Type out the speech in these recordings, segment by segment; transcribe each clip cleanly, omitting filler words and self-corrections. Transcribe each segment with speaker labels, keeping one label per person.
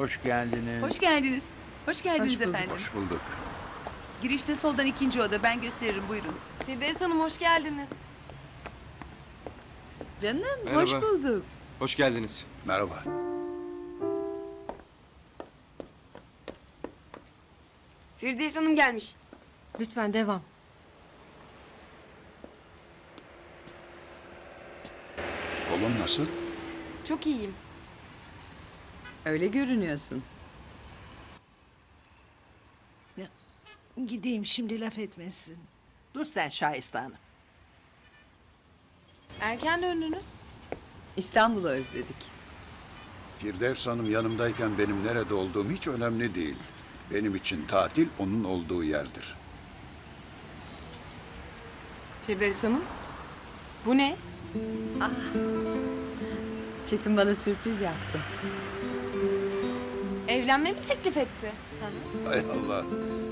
Speaker 1: Hoş geldiniz.
Speaker 2: Hoş geldiniz. Hoş geldiniz
Speaker 3: Hoş bulduk.
Speaker 2: efendim.
Speaker 4: Hoş bulduk.
Speaker 2: Girişte soldan ikinci oda. Ben gösteririm, buyurun.
Speaker 3: Firdevs Hanım hoş geldiniz.
Speaker 2: Canım,
Speaker 5: Merhaba.
Speaker 2: hoş bulduk.
Speaker 5: Hoş geldiniz.
Speaker 4: Merhaba.
Speaker 3: Firdevs Hanım gelmiş.
Speaker 6: Lütfen devam.
Speaker 4: Kolun nasıl?
Speaker 3: Çok iyiyim.
Speaker 2: Öyle görünüyorsun.
Speaker 7: Gideyim şimdi laf etmesin. Dur sen Şahiste Hanım.
Speaker 3: Erken döndünüz.
Speaker 2: İstanbul'u özledik.
Speaker 4: Firdevs Hanım yanımdayken benim nerede olduğum hiç önemli değil. Benim için tatil onun olduğu yerdir.
Speaker 3: Firdevs Hanım. Bu ne?
Speaker 2: Çetin bana sürpriz yaptı.
Speaker 3: Evlenme mi teklif etti?
Speaker 4: Hay Allah.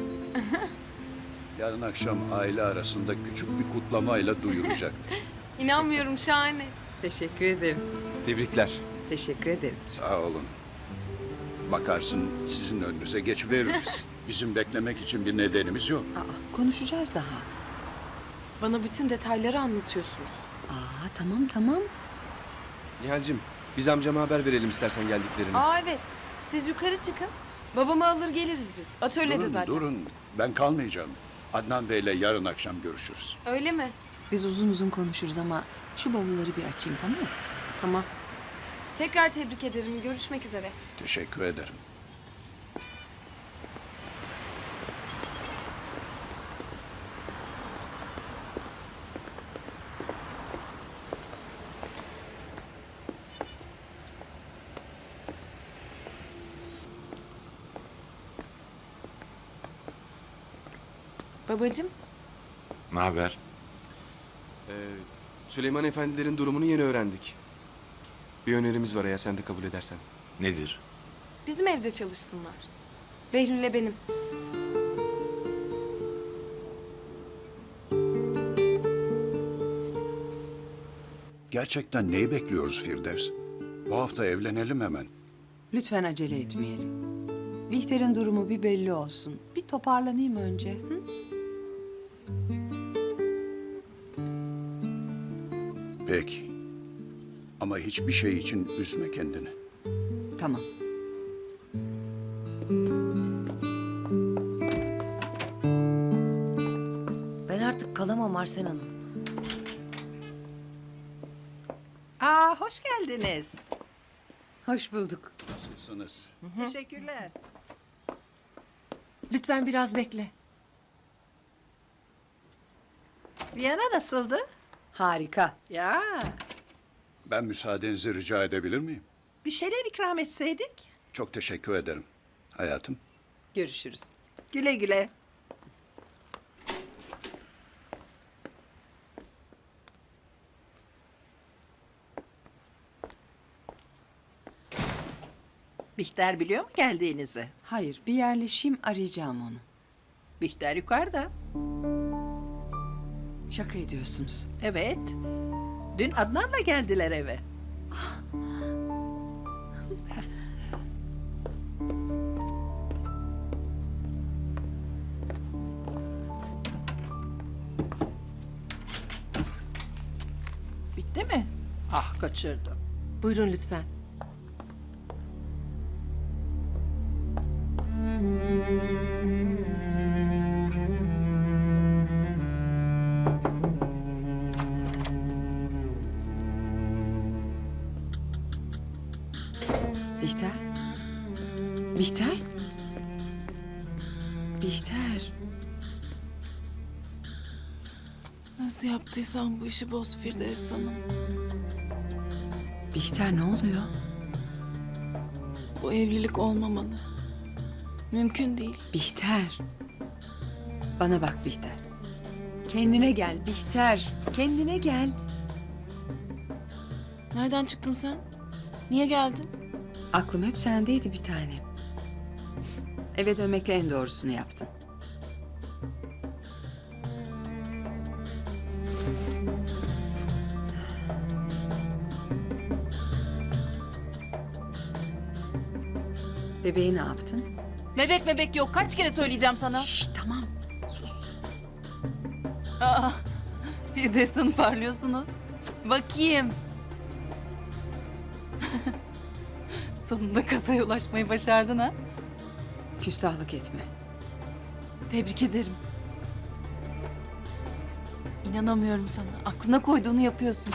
Speaker 4: Yarın akşam aile arasında küçük bir kutlamayla duyuracaktır.
Speaker 3: İnanmıyorum, şahane.
Speaker 2: Teşekkür ederim.
Speaker 5: Tebrikler.
Speaker 2: Teşekkür ederim.
Speaker 4: Sağ olun. Bakarsın sizin önünüze geçiveririz. Bizim beklemek için bir nedenimiz yok.
Speaker 2: Konuşacağız daha.
Speaker 3: Bana bütün detayları anlatıyorsunuz.
Speaker 2: Tamam.
Speaker 5: Nihal'cim biz amcama haber verelim istersen geldiklerini.
Speaker 3: Evet. Siz yukarı çıkın. Babamı alır geliriz biz. Atölyede zaten.
Speaker 4: Durun. Ben kalmayacağım. Adnan Bey'le yarın akşam görüşürüz.
Speaker 3: Öyle mi?
Speaker 2: Biz uzun konuşuruz ama şu bavulları bir açayım, tamam mı?
Speaker 3: Tamam. Tekrar tebrik ederim. Görüşmek üzere.
Speaker 4: Teşekkür ederim.
Speaker 3: Babacığım.
Speaker 8: Ne haber?
Speaker 5: Süleyman Efendilerin durumunu yeni öğrendik. Bir önerimiz var eğer sen de kabul edersen.
Speaker 8: Nedir?
Speaker 3: Bizim evde çalışsınlar. Behlül'le benim.
Speaker 4: Gerçekten neyi bekliyoruz Firdevs? Bu hafta evlenelim hemen.
Speaker 2: Lütfen acele etmeyelim. Bihter'in durumu bir belli olsun. Bir toparlanayım önce. Hı?
Speaker 4: Peki. Ama hiçbir şey için üzme kendini.
Speaker 2: Tamam.
Speaker 6: Ben artık kalamam Arsen Hanım.
Speaker 7: Hoş geldiniz.
Speaker 2: Hoş bulduk.
Speaker 4: Nasılsınız?
Speaker 7: Teşekkürler.
Speaker 6: Lütfen biraz bekle.
Speaker 7: Viyana nasıldı?
Speaker 2: Harika.
Speaker 7: Ya,
Speaker 4: Ben müsaadenizi rica edebilir miyim?
Speaker 7: bir şeyler ikram etseydik.
Speaker 4: Çok teşekkür ederim. Hayatım.
Speaker 2: Görüşürüz.
Speaker 7: Güle güle. Bihter biliyor mu geldiğinizi?
Speaker 2: Hayır, bir yerleşeyim, arayacağım onu.
Speaker 7: Bihter yukarıda.
Speaker 2: Şaka ediyorsunuz.
Speaker 7: Evet. Dün Adnan'la geldiler eve. Bitti mi? Kaçırdım.
Speaker 6: Buyurun lütfen.
Speaker 2: Bihter? Bihter? Bihter.
Speaker 3: Nasıl yaptıysan bu işi boz Firdevs Hanım.
Speaker 2: Bihter ne oluyor?
Speaker 3: Bu evlilik olmamalı. Mümkün değil.
Speaker 2: Bihter. Bana bak Bihter. Kendine gel Bihter. Kendine gel.
Speaker 3: Nereden çıktın sen? Niye geldin?
Speaker 2: Aklım hep sendeydi bir tanem. Eve dönmekle en doğrusunu yaptın. Bebeği ne yaptın?
Speaker 3: Bebek yok. Kaç kere söyleyeceğim sana?
Speaker 2: Şşş tamam. Sus.
Speaker 3: Aa, Firdevs Hanım parlıyorsunuz. Bakayım. Sonunda kasaya ulaşmayı başardın ha.
Speaker 2: Küstahlık etme.
Speaker 3: Tebrik ederim. İnanamıyorum sana. Aklına koyduğunu yapıyorsun.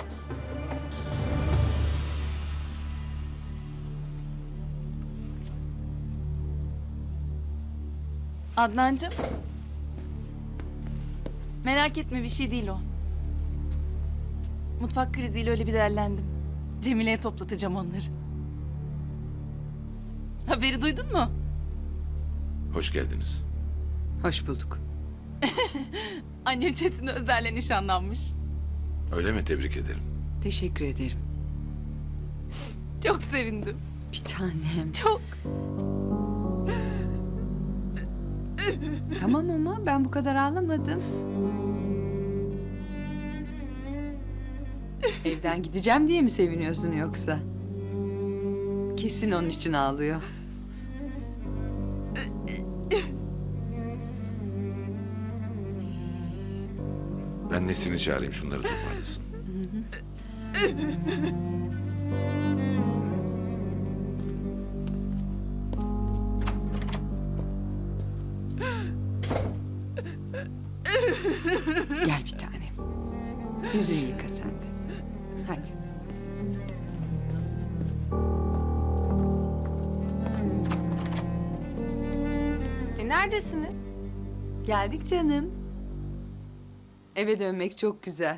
Speaker 3: Adnancığım. Merak etme, bir şey değil o. Mutfak kriziyle öyle bir derlendim. Cemile'ye toplatacağım onları. Haberi duydun mu?
Speaker 8: Hoş geldiniz.
Speaker 2: Hoş bulduk.
Speaker 3: Annem Çetin Özder'le nişanlanmış.
Speaker 8: Öyle mi? Tebrik ederim.
Speaker 2: Teşekkür ederim.
Speaker 3: Çok sevindim.
Speaker 2: Bir tanem.
Speaker 3: Çok.
Speaker 2: Tamam ama ben bu kadar ağlamadım. Evden gideceğim diye mi seviniyorsun yoksa? Kesin onun için ağlıyor.
Speaker 8: Ben Nesin'i çağırayım, şunları toparlasın.
Speaker 2: Gel bir tanem. Yüzünü yıka sen de. Hadi.
Speaker 3: Neredesiniz?
Speaker 2: Geldik canım. Eve dönmek çok güzel.